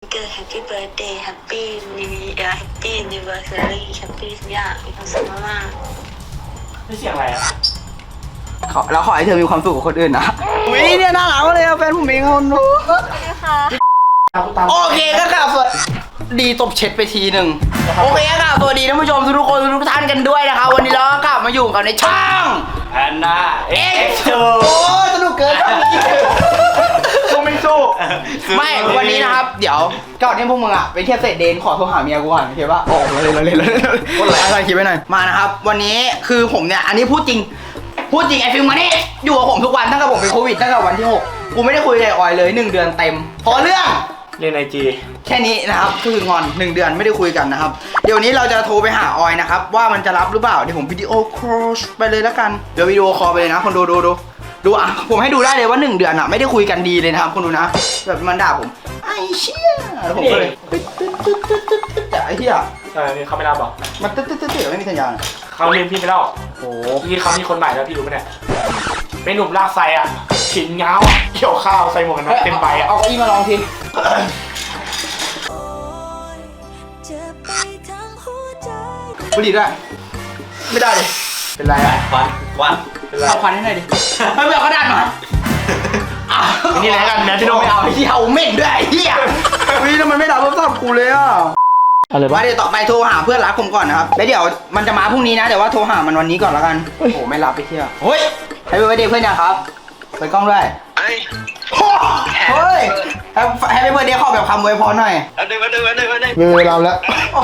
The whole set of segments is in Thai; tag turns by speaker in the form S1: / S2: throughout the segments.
S1: เกิด Happy Birthday Happy New Year Happy Anniversary Happy ทุกอย่างมีความสุขมากๆ
S2: ไม่เสียงอะไรอ่ะ
S3: แล้วขอให้เธอมีความสุขกับคนอื่นนะอุ้ยเนี่ยน่ารักเลยแฟนผมเองคนนู้โอเคก็กลับสวัสดีตบเช็ดไปทีหนึ่งโอเคก็กลับสวัสดีท่านผู้ชมทุกคนทุกท่านกันด้วยนะคะวันนี้เราก็กลับมาอยู่กันในช่อง
S2: แพนด้าเอ็กซ์โช
S3: โอ้สนุกเกิน
S2: สู้ไม่สู้
S3: ไม่วันนี้นะครับเดี๋ยวก่อนที่พวกมึงอ่ะไปเที่ยวเสร็จเดนขอโทรหาเมียกูก่อนโอเคป่ะโอ้เราเล่นคนไหนอะไรคิดไว้หน่อยมานะครับวันนี้คือผมเนี่ยอันนี้พูดจริงไอ้ฟิล์มมานี่อยู่กับผมทุกวันตั้งแต่ผมเป็นโควิดตั้งแต่วันที่6กูไม่ได้คุยกับออยเลย1 เดือนเต็มเพราะเรื่อง
S2: เล่นไอจี
S3: แค่นี้นะครับคืองอน1 เดือนไม่ได้คุยกันนะครับเดี๋ยวนี้เราจะโทรไปหาออยนะครับว่ามันจะรับหรือเปล่าเดี๋ยวผมวิดีโอคอลไปเลยแล้วกันเดี๋ยววิดีโอคอลไปเลยนะคนดูอ่ะผมให้ดูได้เลยว่า1 เดือนอ่ะไม่ได้คุยกันดีเลยนะครับคนดูนะแบบมันด่าผมไอ้เชี่ยแล้วผมก็เลยแต่ไอ้เหี้ย
S2: เขาไม่รับหรอ
S3: มันตึ๊ดไม่มีสัญญาณ
S2: เขาเรียนพี่ไปแล้วโอ้พี่เขามีคนใหม่แล้วพี่รู้ไหมเนี่ยเป็นหนุ่มลากไซอ่ะขินเงาเกี่ยวข้าวใส่หมวกกันน็อกเต็มใบอ่ะ
S3: เอาอีมาลองทีบุหรี่ด้วยไม่ได้เลย
S2: เป็นไรอ่ะควัน
S3: เอาควันให้หน่อยดิไม่เอากระดาษมา
S2: นี่แหละกันนะพี่โด
S3: ไม่เอาไอ้เหี้ยเอาเม่นด้วยไอ้เหี้ยวิ่งแล้วมันไม่รับโทรศัพท์กูเลยอ่ะ
S2: อะไรบ้าง
S3: เดี๋ยวต่อไปโทรหาเพื่อนรักผมก่อนนะครับแล้วเดี๋ยวมันจะมาพรุ่งนี้นะแต่ว่าโทรหามันวันนี้ก่อนแล้วกันโอ้โหไม่รับไปเที่ยวเฮ้ยให้ไปเดย์เพื่อนยังครับไปกล้องด้วยเฮ้ยให้ไปเดย์ขอแบบคำอวยพรหน่อย
S2: มาดึง
S3: เวลาแล้ว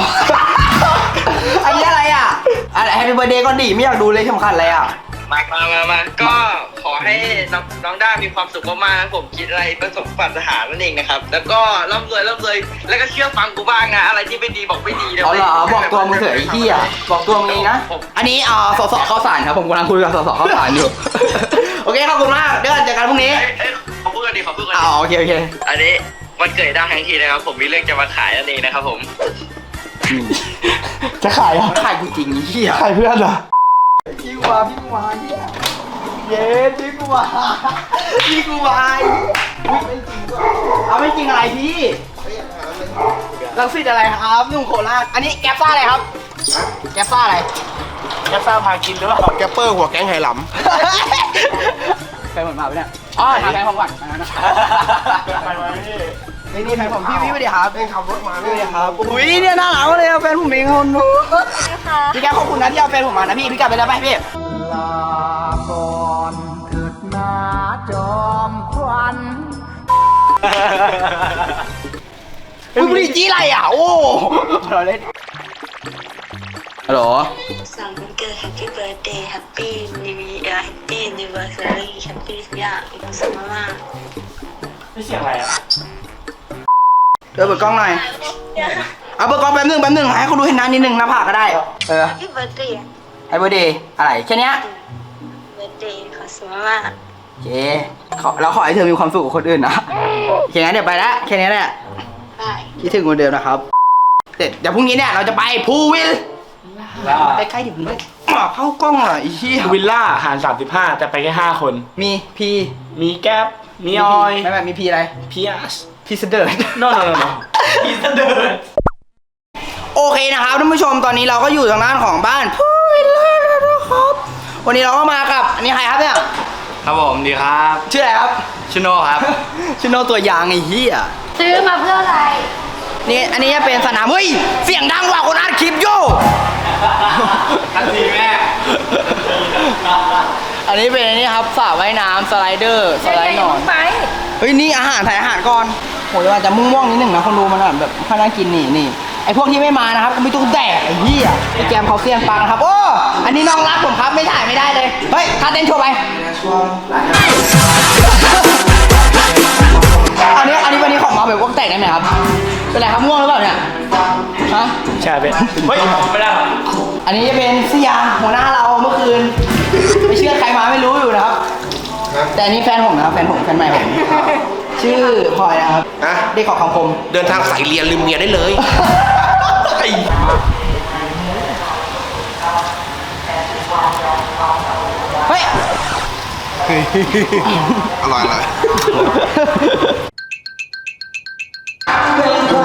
S3: อันนี้อะไรอ่ะอะไรให้ไปเดย์ก็ดีไม่อยากดูเลยสำคัญอะไรอ่ะ
S4: มาก็ขอให้น้องด้ามีความสุขมากๆผมคิดอะไรประสบปรารถนานั่นเองนะครับแล้วก็ร่ำรวยแล้วก็เชื่อฟังกูบ้างนะอะไรที่ไม่ดีบอกไม่ดีนะ
S3: เหรอบอกตัวมึงเถอะไอ้ที่อ่ะบอกตัวมึงเองนะอันนี้สสข้าวสารครับผมกำลังคุยกับสสข้าวสารอยู่โอเคขอบคุณมากเดี๋ยวเจอกันพรุ่งนี้
S4: ขอพูดกันดิ
S3: โอเค
S4: อันนี้วันเกิดด้าทั้งทีนะครับผมมีเรื่องจะมาขายนั่นเองนะครับผม
S2: จะขายอ่ะ
S3: ขายกูจริงไอ้ที่
S2: ขายเพื่อนเหรอ
S3: พี่กูมาเนี่ยเย้พี่กูมาไม่จริงก็เอาไม่จริงอะไรพี่ลังสิตอะไรครับนุ่งโคราชอันนี้แก๊ปซ่าอะไรครับแก๊ปซ่าอะไร
S2: แก๊ปซ่าพากินหรือเปล่าแก๊ปเปอร์หัวแก๊งไหหล
S3: ำไปหมดมาไปเนี่ยอ๋อทางแฟนผมก่อน
S2: ไปไหม
S3: นี่แฟนผมพี่สวัสดีครับขับรถมาพี่ครับอุ้ยเนี่ยน่ารักเลยแฟนผมเองคนนู้พี่แกขอบคุณนะที่เอาแฟนผมมานะพี่กลับไปแล้วไปพี่ลาก่อนเกิดมาจอมควันบุหรี่จี้ไรอ่ะโอ้เราเล่นฮัลโหล
S1: สั่งวันเกิด Happy Birthday Happy New Year Happy Anniversary Happy ทุกอย่างมีความสุขมากๆ
S2: ไม่เสียงอะไรอ่ะ
S3: เปิดกล้องหน่อยเอาเปิดกล้องแป๊บนึงให้เขาดูเห็นหน้านิดนึงหน้าผากก็ได้
S1: Happy Birthday
S3: Happy Birthday อะไรแค่นี้
S1: Birthday ขอสุขมาก
S3: โอเคเราขอให้เธอมีความสุขกับคนอื่นนะแค่นี้เดี๋ยวไปละแค่นี้แหละคิดถึงคนเดิมนะครับเดี๋ยวพรุ่งนี้เนี่ยเราจะไปพูวิลใกล้ๆเดี๋ยวผมเข้ากล้องอ่ะอีชี่
S2: วิลล่าหาร35แต่ไปแค่5 คน
S3: มีพี
S2: มีแก๊ปมีออย
S3: ไม่มีพีอะไร
S2: พีอาร์
S3: พีเสดิร์ด
S2: no พีเสดิร์ด
S3: โอเคนะครับท่านผู้ชมตอนนี้เราก็อยู่ทางด้านของบ้านพูวิลล่าแล้วนะครับวันนี้เราก็มากับอันนี้ใครครับเนี่ย
S2: ครับผมดีครับ
S3: ชื่ออะไรครับ
S2: ชิโน่ครับ
S3: ชิโน่ตัวยางไอ้เหี้ย
S1: ซื้อมาเพื่ออะไร
S3: นี่อันนี้จะเป็นสนามเฮ้ยเสียงดังว่ะคนอัดคลิปโย่
S2: ทันทีแม่
S3: อันนี้เป็นอันนี้ครับสระว่ายน้ำสไลเดอร์สไลด์นอนเฮ้ยนี่อาหารถ่ายอาหารก่อนโหจะมาจะม่วงนิดหนึ่งนะคนดูมันแบบข้าวน่ากินนี่ไอพวกที่ไม่มานะครับก็ไม่ต้องแดกไอ้เหี้ยไอแกมเขาเสียงปังนะครับโอ้อันนี้น้องรักผมครับไม่ถ่ายไม่ได้เลยเฮ้ยท่าเต้นโชว์ไปอันนี้วันนี้ของมาแบบวงแตกได้ไหมครับเป็นไรครับม่วงหรือเปล่าเนี่ยฮะ
S2: ใช่เป็นเฮ้ยไม่ได้
S3: อันนี้จะเป็นเสียหัวหน้าเราเมื่อคืนไม่เชื่อใครมาไม่รู้อยู่นะครับแต่อันนี้แฟนผมนะครับแฟนใหม่ผมชื่อพลอยนะครับได้ขอคำคม
S4: เดินทางสายเรียนลืมเมียได้เลย
S3: เฮ้ย
S4: อร่อย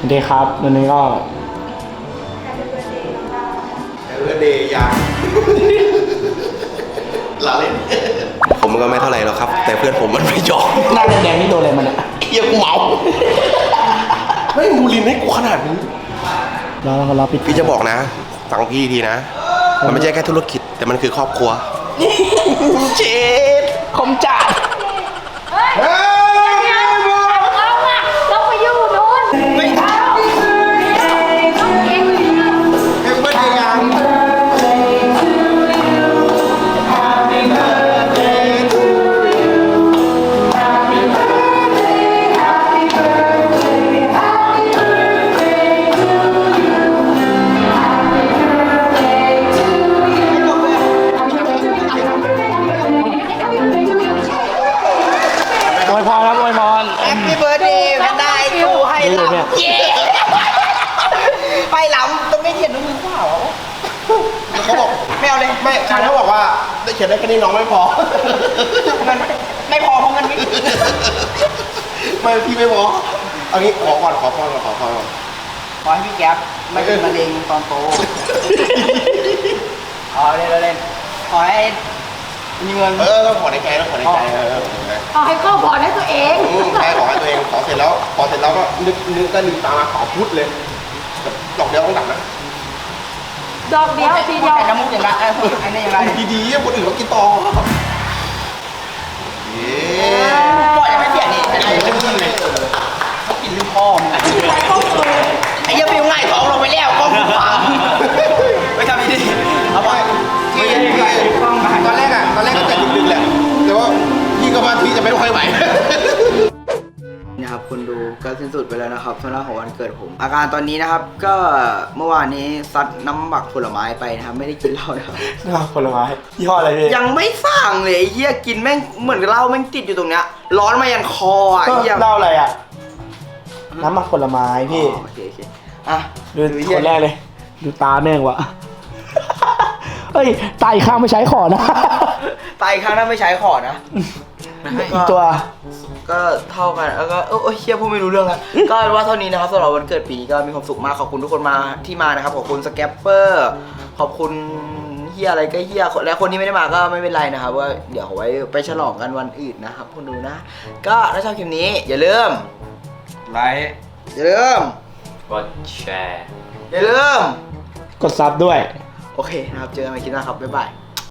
S2: สวัสดีครับวันนี้ก็
S5: เพื่อนเดย์ยังลาเล่น ผมก็ไม่เท่าไหร่หรอกครับ แต่เพื่อนผมมันไม่ยอม
S2: หน้าแดงๆนี่โดนอะไรมันอ่ะ
S5: เฮียกูเมาไม่มูลินให้กูขนาดนี้
S2: เราปิด
S5: พี่จะบอกนะฟังพี่ทีนะ มันไม่ใช่แค่ธุรกิจ แต่มันคือครอบครัวเจ็ด
S2: คมจัด
S6: เราไปอยู่นู้น
S5: ไม่ทำเอ็มเบอร์เดย์ยัง
S2: อวยพรครับอวยพร
S3: แฮปปี้เบิร์ดเดย์แพนด้ากูให้หลับ
S2: นี่เลยเนี่ย
S3: เย้ไปหลับต้องไม่เขียนมือเปล่า
S5: เขาบอก
S3: ไม่เอาเลย
S5: ไม่ชายเขาบอกว่าได้เขียนได้แค่นี้น้องไม่พอ
S3: มันไม่พอเพราะมันไม่
S5: ไม่พี่ไม่พอเอางี้ขอก่อนขอพรก่อนขอพรก่อน
S3: ขอให้พี่แก๊ปไม่เป็นมะเร็งตอนโตเอาเล่นเล่นขอให้มีเงิน
S5: ต้องขอในใจต้องขอในใจใช่
S6: เอาให้เข้าพรให้ตัวเอง
S5: ขอให้ตัวเองขอเสร็จแล้วก็นึกก็ลืมตามาขอพุทธเลยแบบดอกเดียวต้องดับนะ
S6: ดอกเดียวทีเดียว
S3: แต่น้ำมุกอย่างไรอันนี้อย่างไร
S5: ดีๆคนอื่นเขากินต่อเย้
S3: พ่อยังไม่เปลี่ยนนี่ไอ้เรื่องเลยเขากินลูกพ่อมึงไอ้ยังฟิวง่ายท้องลงไปแล้วกล้องฟังไม่ทำดีเอาไป
S5: ไม่ตอนแรกก็จะดึกๆแหละแต่ว่าพี่ก็ว่าพี่จะไม่ค่อยไหว
S3: นะครับคนดูก็สิ้นสุดไปแล้วนะครับสำหรับของวันเกิดผม อาการตอนนี้นะครับก็เมื่อวานนี้ซัดน้ำหมักผลไม้ไปนะครับไม่ได้กินเหล้านะครับ
S2: น้ำผลไม้ยี่ห้ออะไรพี่
S3: ยังไม่สั่งเลยไอ้เหี้ยกินแม่งเหมือนเหล้าแม่งติดอยู่ตรงเนี้ยร้อนมายันคออ่ะ
S2: ก็
S3: ไอ้เหี้ย
S2: เล่าอะไรอ่ะน้ำหมักผลไม้พี่
S3: อ๋อโอเคอ่ะ
S2: ดูคนแรกเลย ดูตาแม่งวะ เอ้ยตาอีกข้างไม่ใช้ขอนะ
S3: ตายอีกครั้งถ้าไม่ใช้ขอนะ
S2: อีกตัว
S3: ก็เท่ากันแล้วก็โอ้ยเชี่ยพูดไม่รู้เรื่องอะ ก็ว่าเท่านี้นะครับสำหรับวันเกิดปีนี้ก็มีความสุขมากขอบคุณทุกคนมาที่มานะครับขอบคุณสแกปเปอร์ขอบคุณเฮียอะไรก็เฮียและคนที่ไม่ได้มาก็ไม่เป็นไรนะครับว่าเดี๋ยวเอาไว้ไปฉลองกันวันอื่นนะครับคุณดูนะ ก็ถ้าชอบคลิปนี้อย่าลืม
S7: ไลค์
S3: อย่าลืม
S7: กดแชร์
S3: อย่าลืม
S2: กดซับด้วย
S3: โอเคนะครับเจอกันใหม่คลิปหน้าครับบ๊ายบาย